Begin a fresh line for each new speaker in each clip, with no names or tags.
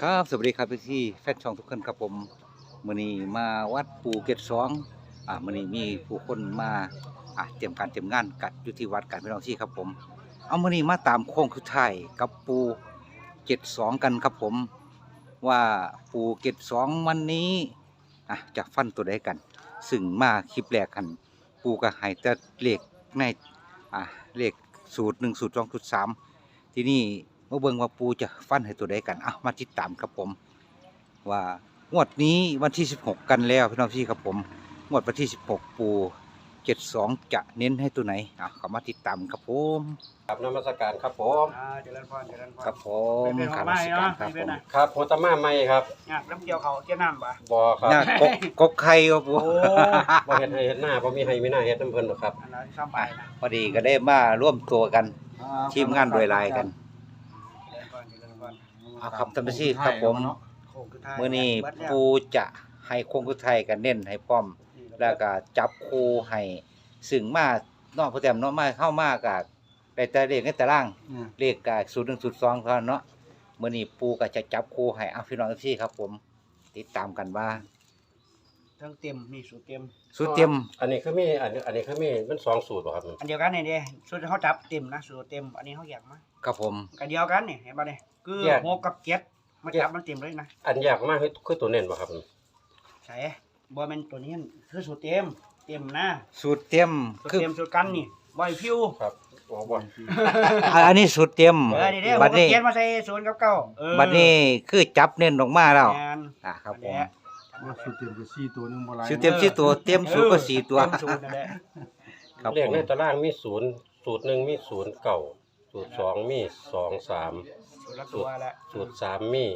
ครับสวัสดีครับพี่แฟนช่องทุกคนครับผมมื้อนี้มาวัดปูเกตสองมื้อนี้มีผู้คนมาเตรียมการเตรียมงานกัดอยู่ที่วัดกันพี่น้องที่ครับผมเอามื้อนี้มาตามโค้งสุดท้ายกับปูเกตสองกันครับผมว่าปูเกตสองวันนี้จะฟันตัวใดกันซึ่งมาคลิปแรกกันปูก็ให้แต่เลขในเลขสูตร1สูตร2สูตร3ที่นี่มาเบิ่งว่าปูจะฟันให้ตัวใดกันมาติดตามครับผมว่างวดนี้วันที่16กันแล้วพี่น้องพี่ครับผมงวดวันที่16ปู72จะเน้นให้ตัวไหนเข้ามาติดตามครับผม
ครับนมัสการครับผม
เจริญพรเจริญพร
ครับผม
ครับมาเนาะ
ครับผม
ครับโพตมาใหม่ครับ
งานน้ำเกี่ยวเขาเกี่ยวน้ำปะ
บ่ครับ
หน้ากกไข่ครับผม
โอ้
บ่เฮ็ดให้เฮ็ดหน้าบ่มีให้มีหน้าเฮ็ดน้ำเพิ่นหรอกครับ
อันนั้นซ้ำไปนะ
พอดีก็ได้มาร่วมตัวกันทีมงานโดยลายกัน
เจริญพรเจริญพร
ครับท่านผู้ชมครับผม
โค้งสุดท้าย
มื้อนี้
เบิดแล้ว
ปูจะให้โค้งสุดท้ายกันเน้นให้พร้อมแล้วก็จับคู่ให้ซึ่งมานอกโปรแกรมเนาะมาเข้ามาก็ได้แต่เลขในตารางเลขก็01 02เท่านั้นเนาะมื้อนี้ปูก็จะจับคู่ให้พี่น้องพี่ครับผมติดตามกันว่า
ทั้งเต็มนี่สูตรเต็ม
สุดเต็ม
อันนี้คือมีอันนี้คือมีมัน2สูตรบ่ครับ
อันเดียวกันนี่เด้สูตรเขาจับเต็มนะสูตรเต็มอันนี้เขาแยกมา
ครับผม
กันเดียวกันนี่เห็นป่ะเนี่ยคือหกกับเจ็ดมาจับมันเต็มเลยนะ
อันยากมากคือตัวเน้นบ่ครับ
ใช่บอแมนตัวนี้คือสูตรเต็มเต็มนะ
สูตรเต็ม
สูตร
คือ
เต็มสูตรกันนี่บอยพิว
ครับโอ้บ่
อันนี้สูตรเต็ม
นี่เด้ห
บั
ก
ด
กับ
นี้
เจ็ดมาใส่ศูนย์กับเก้า
บัดนี้คือจับเน้นออกมาแล้ว
งาน
ครับผม
สูตรเต็มก็4ตัวนึงบ่หลาย
สูตรเต็ม4ตัวเต็มสูตรก็4ตัว
เต็มสูตรนั่นแหละ
ครับ
เลข
ผม
ในตารางมี0สูตร1มี0 9สูตร2มี2 3
สูตรละตัวละ
สูตร3มี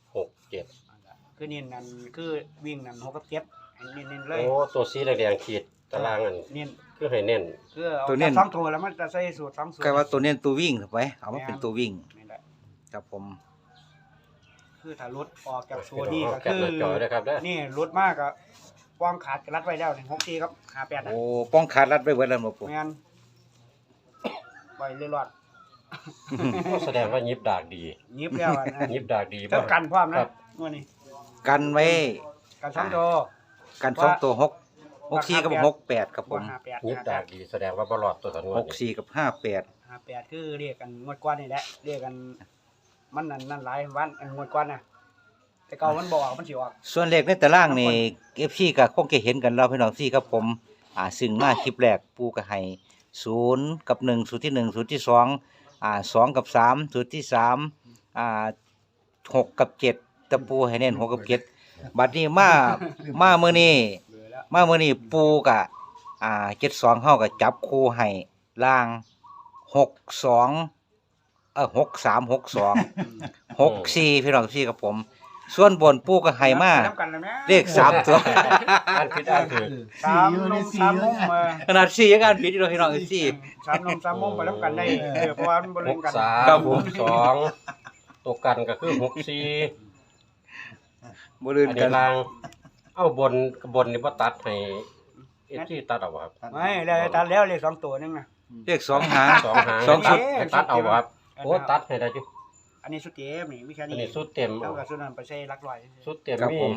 6 7
คือเน้นนั่นคือวิ่งนั่นหกกับเจ็ดให้เน้นๆเลย
โอ้ตัวสีแดงๆขีดตารางอัน
เน้น
คือให้เน้น
คือเอาแต่สองตัวแล้วมันจะใส่สูตรสองสูตร
ก็ว่าตัวเน้นตัววิ่งถูกไหมเอามาเป็นตัววิ่ง
นี่แหละ
ครับผม
คือถ้ารถออกจากตัวนี้ก็
แคป
คือ
หน้าจอด้วยครับเด้อ
นี่รถมากก็วางขาดกระรัดไว้แล้ว1 6 4ครับ58นะ
โอ้ป้องขาดรัดไว้เบิดแล้วบ่ปู่
แม่นไว้เรื่อย
แสดงว่ายิบดากดี
ๆยิบแล้วอะนะ
ยิบดากดี
เท่ากันพร้อม
ค
นะ
รับ
งวดนี้
กันไว้
กันสองตัว
กัน2ตัว6 64กับ68ครับผม
58
ยิบดากดีแสดงว่าบ่รอดตัวสันงวดนี้
64กับ58
58คือเรียกกันงวดก่อนนี่แหละเรียกกันมันนั่นหลายวันอันงวดก่อนน่ะแต่เก่ามันบ่ออกมันสิออก
ส่วนเลขในตารางนี่ FC ก็คงจะเห็นกันแล้วพี่น้องที่ครับผมซึ่งมาคลิปแรกปูก็ให้0กับ1สูตรที่1สูตรที่2 2กับ3สูตรที่3 6กับ7ตะปูให้เน้น6กับ7บัดนี้มามื้อนี้
เบื่อแล้ว
มามื้อนี้ปูกะ72เฮาก็จับคู่ให้ล่าง63 64พี่น้องพี่ครับผม ส่วนบนปูก็ให้มา
นับกันแล้วแม่
เลข3ตัว
อ่านผิดอ่านถูก
สามนมสามมุมมา
ขนาด4ยังอ่านผิดอยู่พี่น้องพี่
สามนมสามมุมไปแล้วกันได้เพราะว่ามันบ่เล่นกัน
63
ครับผม
2ตัวกันก็คือ64
บ่ลืน
อัน
กั
นี้
น
ล่างเอาบนนี่บ่ตัดให้ที่ตัดเอาบ่ครับ
ไม่แล้วตัดแล้วเลข2ตัวนึงน่ะ
เลข2หาง
สองหาง
สองชุด
ให้ตัดเอาบ่ครับโอ้ตัดให้ได้อยู่
อันนี้สุดเต็มนี่มีแค่
อัน
นี้
นี้สุดเต็ม
เท่ากับสุดนั้นไปใช้หลักร้อย
สุดเต็ม
ครับ
มี
ผม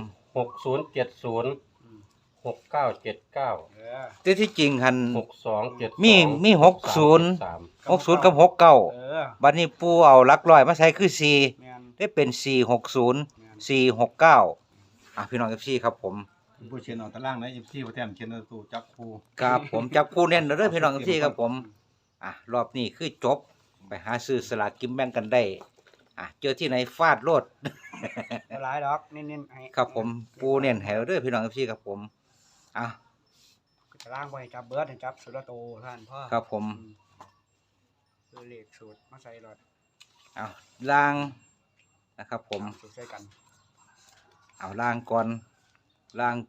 6070 6979
เออ
แต่ที่จริงหัน
6272
มี60 60กับ69
เออ
บัดนี้ปูเอาหลักร้อยมาใช้คือ4
แม่น
ได้เป็น460 469พี่น้อง FC ครับผม
ผู้เขียนเอาตารางนะ14บ่แต้มเขียนเอาตัวจับคู่
ครับผมจับคู่แน่นเด้อพี่น้อง FC ครับผมรอบนี้คือจบไปหาซื้อสลากกินแบ่งกันได้เจอที่ไหนฟาดโลด
บ่หลายดอกเน้นๆให้
ครับผมปูเน้นให้เราเด้อพี่น้อง FC ครับผม
จะล้างบ่ให้จับเบิดให้จับสุดละโตท่านพ่อ
ครับผม
คือเลขสูตรมาใส่รถ
ล่างนะครับผม
สูตรใส่กัน
เอาล่างก่อนล่าง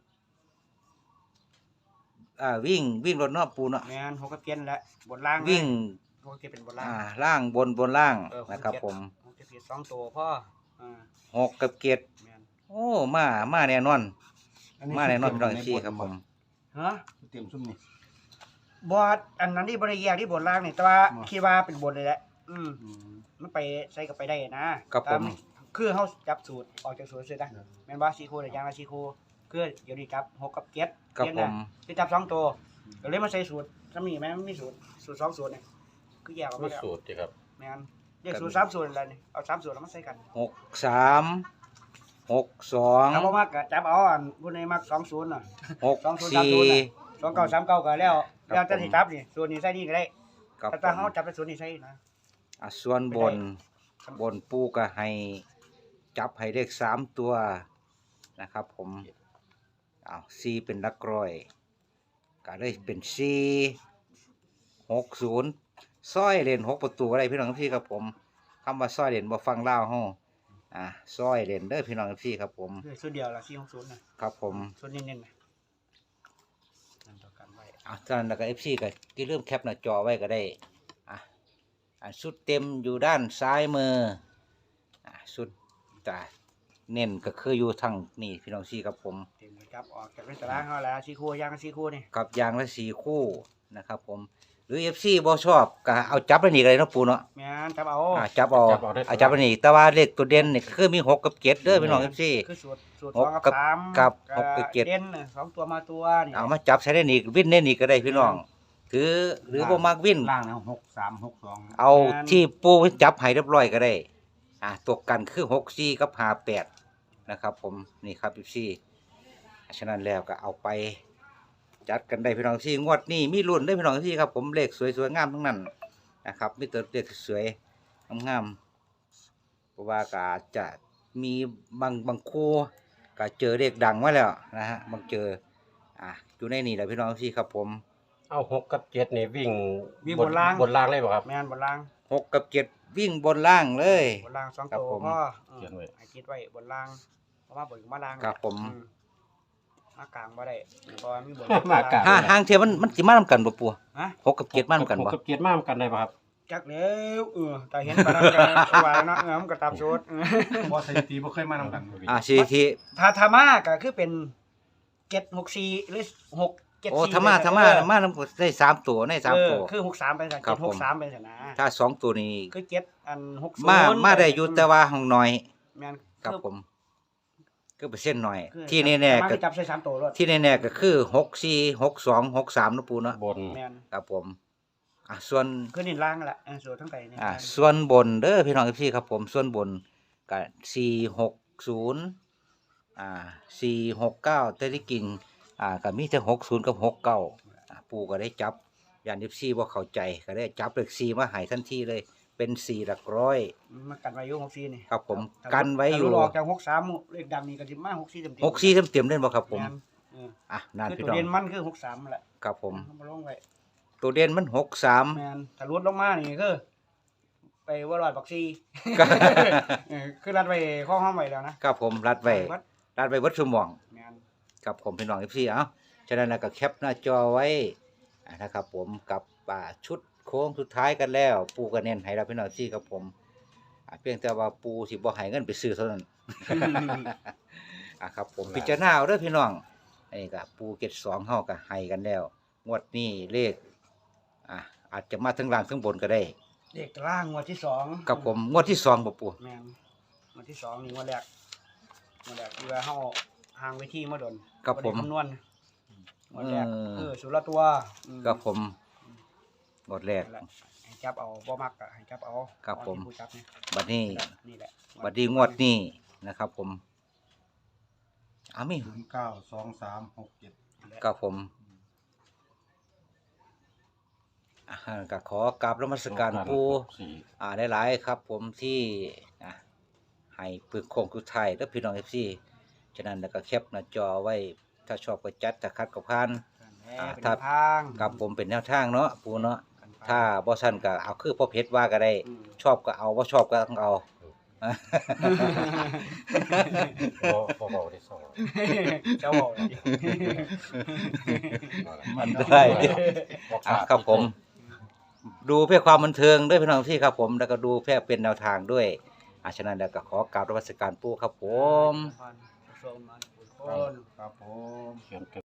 วิ่งรถเนาะปูเนาะ
แม่น6กับ7แล้วบนล่าง
วิ่ง
6กับ7เป็นบนล่าง
ล่างบนล่าง
เออ
นะครับผม
6กับ7 2ตัวพ่อ
6กับ7
แม่น
โอ้มาแน่นอนมาแน่นอนพี่น้อง FC ครับผม
ฮะ
เต็มซุ่มนี่
บอดอันนั้นที่บริแยกที่บนล่างนี่แต่ว่าคิดว่าเป็นบนเลยแหละมันไปใส่กับไปได้นะตามคือเฮาจับสูตรออกจากสูตรเสร็จนะแม่นบ่4คู่ได้อย่างละ4คู่คือเดี๋ยวนี้จับ6กับ7
ครับผม
คือจับ2ตัวก็เลยมาใส่สูตรซำนี้แม่นมันมีสูตร2สูตรนี่คือแยกออก
มี
มาแล้ว
สูตรสิครับ
แม่นเรียกสูตร3สูตรอะไรนี่เอา3สูตรแล้วมาใส่กัน
63
ถ้าบ่
62
มักก็จับเอาอันผู้ใดมัก20น่ะ
64
2939ก็แล้วแล้วแต่สิจับนี่สูตรนี้ใส่นี่ก็ได้
ครับ
แต่ถ้าเฮาจับเป็นสูตรนี้ใส่นะ
ส่วนบนปูก็ให้จับให้เลข3ตัวนะครับผม4เป็นหลักร้อยก็เลยเป็น460ซอยเล่น6ประตูอะไรพี่น้องพี่ครับผมคำว่าซอยเล่นบ่ฟังลาวเฮาซอยเล่นเด้อพี่น้องพี่ครับผม
คือสูตรเดียวละ460น่ะ
ครับผม
สูตรเน้นๆน่ะนั่นต่อกันไว้
ตอนนั้นแล้วก็ FC ก็ที่เริ่มแคปหน้าจอไว้ก็ได้ชุดเต็มอยู่ด้านซ้ายมือชุดแต่เน้นก็คืออยู่ทางนี่พี่น้องพี่ครับผม
เต็มเลยครับออกจากเป็นตารางเฮาแล้ว4คู่อย่างละ4คู่นี่
กับยางละ4คู่นะครับผมหรือ FC บ่ชอบก็เอาจับอันนี้ก็ได้เนาะปูเนาะ
แม่นจับเอา
จับเอาจับอันนี้แต่ว่าเลขตัวเด่นนี่คือมี6กับ7เด้อพี่น้อง FC
คือสูตร
หก
2
กั
กับบ 3
กับหกกับเจ็ด
เด่นสองตัวมาตัวนี่
เอามาจับใช้ได้นี่วินได้นี่ก็ได้พี่น้องคือหรือบ่มักวิน
ล่างนะ6362
เอาที่ปูจับให้เรียบร้อยก็ได้ตัวกันคือ64กับ58นะครับผมนี่ครับพี่ฉะนั้นแล้วก็เอาไปจัดกันได้พี่น้องที่งวดนี้มีรุ่นได้พี่น้องที่ครับผมเลขสวยๆงามทั้งนั้นนะครับมีแต่เลขสวยงามๆเพราะว่าก็อาจจะมีบางคู่ก็เจอเลขดังมาแล้วนะฮะบางเจออยู่ในนี่แหละพี่น้องที่ครับผม
เอา6กับ7นี่วิ่ง
บนล่าง
บนล่างเลยบ่ครับ
แม่นบนล่าง
6กับ7วิ่งบนล่างเลย
บนล่าง2
ครับ
ตัว
ผม
พ่อ
เขียนไว้
ให้คิดไว้บนล่างเพราะว่าบนกับมาล่าง
ครับผม
มากลางบ่ได้เพราะว่ามีบน
มากลาง
ห่างเทียมันสิมานำกันบ่ปัว
ฮะ
6กับ7มานำกัน
ห
บ่
กับ7มานำกันได้บ่ครับ
จักแล้วแต่เห็นปานนั้นก็ว่าเนาะมันก็ตามสูตร
บ่สถิติบ่เคยมานำกัน
สิที่
ถ้ามาก็คือเป็น764หรือ674
โอ้ธรรมะมานำได้3ตัวใน3ตัว
คือ63เป็นซั่น
ครับผม
763เป็นซั่นนะ
ถ้า2ตัวนี้
คือ7อัน60
มาได้อยู่แต่ว่าห้องน้อย
แม่น
ครับผมคือเปอร์เซ็นต์น้อย
คือ
ที่แน่ๆ
มา
ก็
จับใส่3ตัวรถ
ที่แน่ๆก็คือ64 62 63เนาะปูเนาะ
บน
แม่น
ครับผมส่วน
คือนี่ล่างนั่นแหละสูตรทั้งไตนี่
ส่วนบนเด้อพี่น้องพี่ครับผมส่วนบนก็460469แต่ที่จริงก็มีแต่60กับ69ปู่ก็ได้จับยาน14บ่เข้าใจก็ได้จับเลข4มาให้ทันทีเลยเป็น4หลักร้อย
มันกันไว้อยู่64นี่
ครับผมกันไว้อยู่
ถ้าหลอกจาก63เลขดังนี่ก็สิมา64เต็มๆ
64เต็มๆเล่นบ่ครับผม
แน
นั่น
คือ
พี่
ตัว
น้อง
เด่นมันคือ63นั่นแหละ
ครับผม
เอามาลงไว้
ตัวเด่นมัน
แม่นถ้าลดลงมานี่คือไปว่ารอดบักซี่
63
คือรัดไว้ข้อห้องไว้แล้วนะครับ
ผมรัดไว้
วัด
วัดชั่วโมง
แม่น
ครับผมพี่น้องพี่ฉะนั้นก็แคปหน้าจอไว้นะครับผมกับชุดโค้งสุดท้ายกันแล้ว ปูก็เน้นให้เราพี่น้องพี่ครับผมเพียงแต่ว่าปูสิบ่ให้เงินไปซื้อเท่านั้น ครับผมพิจารณาเอาเด้อพี่น้องนี่ก็ปูเก็ต2เฮาก็ให้กันแล้วงวดนี้เลขอาจจะมาทั้งล่างทั้งบนก็ได้
เลขล่างงวดที่2
ครับผมงวดที่2บ่ปู
แม่นงวดที่2นี่งวดแรกที่ว่าเฮาห่างไว้ที่มาดน
ครับผม
บ่ได้คำนวณงวดแรกสุดละตัว
ครับผมงวดแรก
นั่นแหละให้จับเอาบ่มักก็ให้จับเอา
ครับผม
เอาที่ผู้จับนี่
บัดนี้
นี่แหละ
บัดนี้งวดนี้นะครับผมมี
092367
ครับผมก็ขอกราบนมัสการปูหลายๆครับ ผมที่ให้ปึกโคงคือไทยและพี่น้อง FC ฉะนั้นแล้วก็แคปหน้าจอไว้ถ้าชอบก็จัดถ้าคัดก็ผ่าน
เป็น
ถ้า
ทาง
กับผมเป็นแนวทางเนาะปูเนาะ
กันไป
ถ้าบ่ซั่นก็เอาคือพ่อเพชรว่าก็ได้ ชอบก็เอาบ่ชอบก็ต้องเอา
บ่เบาได้สอง
เจ้าบอกเลย
มันได้ครับผม ดูเพื่อความบันเทิงด้วยพี่น้องที่ครับผมแล้วก็ดูเพื่อเป็นแนวทางด้วยฉะนั้นแล้วก็ขอกราบนมัสการปู่ครับผม
ส่งมาทุกคน
ครับผม
เขียน